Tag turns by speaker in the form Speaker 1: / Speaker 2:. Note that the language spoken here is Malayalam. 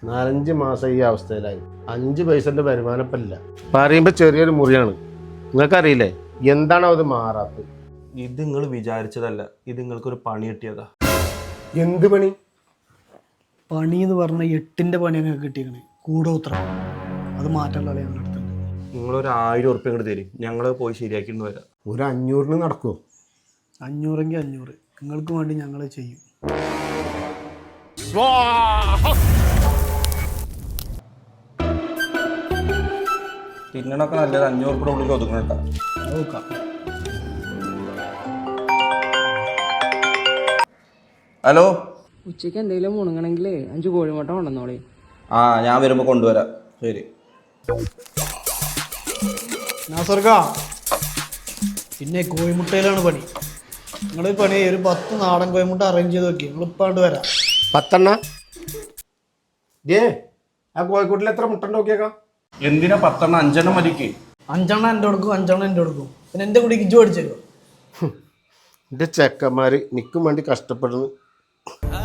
Speaker 1: 4-5 മാസം ഈ അവസ്ഥയിലായി. 5 പൈസന്റെ വരുമാനപ്പില്ല. പറയുമ്പോ ചെറിയൊരു മുറിയാണ്. നിങ്ങൾക്കറിയില്ലേ എന്താണോ അത് മാറാത്തത്?
Speaker 2: ഇത് നിങ്ങൾ വിചാരിച്ചതല്ല, ഇത് നിങ്ങൾക്കൊരു പണി കിട്ടിയതാ.
Speaker 1: എന്ത് പണി?
Speaker 3: പണി എന്ന് പറഞ്ഞ 8ന്റെ പണി ഞങ്ങൾക്ക് കിട്ടിയേക്കണേ, കൂടോത്രം. അത് മാറ്റാനുള്ള ഞങ്ങളുടെ അടുത്തുണ്ട്.
Speaker 2: നിങ്ങളൊരു 1000 ഉറുപ്പ്യ ഇങ്ങോട്ട് തരും, ഞങ്ങൾ പോയി ശരിയാക്കിയിട്ട് വരാം.
Speaker 1: ഒരു 500-ന് നടക്കുമോ?
Speaker 3: 500-എങ്കിൽ 500, നിങ്ങൾക്ക് വേണ്ടി ഞങ്ങൾ ചെയ്യും.
Speaker 2: തിന്നണൊക്കെ നല്ലത് 500 ഉറുപ്പിയുടെ ഉള്ളിൽ ഒതുക്കണേട്ടാ.
Speaker 3: നോക്കാം.
Speaker 2: ഹലോ,
Speaker 4: ഉച്ചയ്ക്ക് എന്തെങ്കിലും മുണങ്ങണമെങ്കിലേ 5 കോഴിമുട്ട കൊണ്ടുവന്നോളി.
Speaker 2: ആ ഞാൻ വരുമ്പോൾ കൊണ്ടുവരാം. ശരി.
Speaker 3: നാസർക്കാ, പിന്നെ കോഴിമുട്ടയിലാണ് പണി. നിങ്ങൾ പണി ഒരു 10 നാടൻ കോഴിമുട്ട അറേഞ്ച് ചെയ്ത് നോക്കി. നിങ്ങൾ ഇപ്പം അങ്ങോട്ട് വരാം.
Speaker 1: 10 ആ കോഴിക്കോട്ടിൽ എത്ര മുട്ട നോക്കിയേക്കാം?
Speaker 2: എന്തിനാ 10 5 മതിക്ക്?
Speaker 3: 5 എൻ്റെ കൊടുക്കും, 5 എൻ്റെ കൊടുക്കും. പിന്നെ എൻ്റെ കൂടി ഇജ്ജ് പഠിച്ചേക്കോ.
Speaker 1: എൻ്റെ ചെക്കന്മാർ നിൽക്കും വേണ്ടി കഷ്ടപ്പെടുന്നു.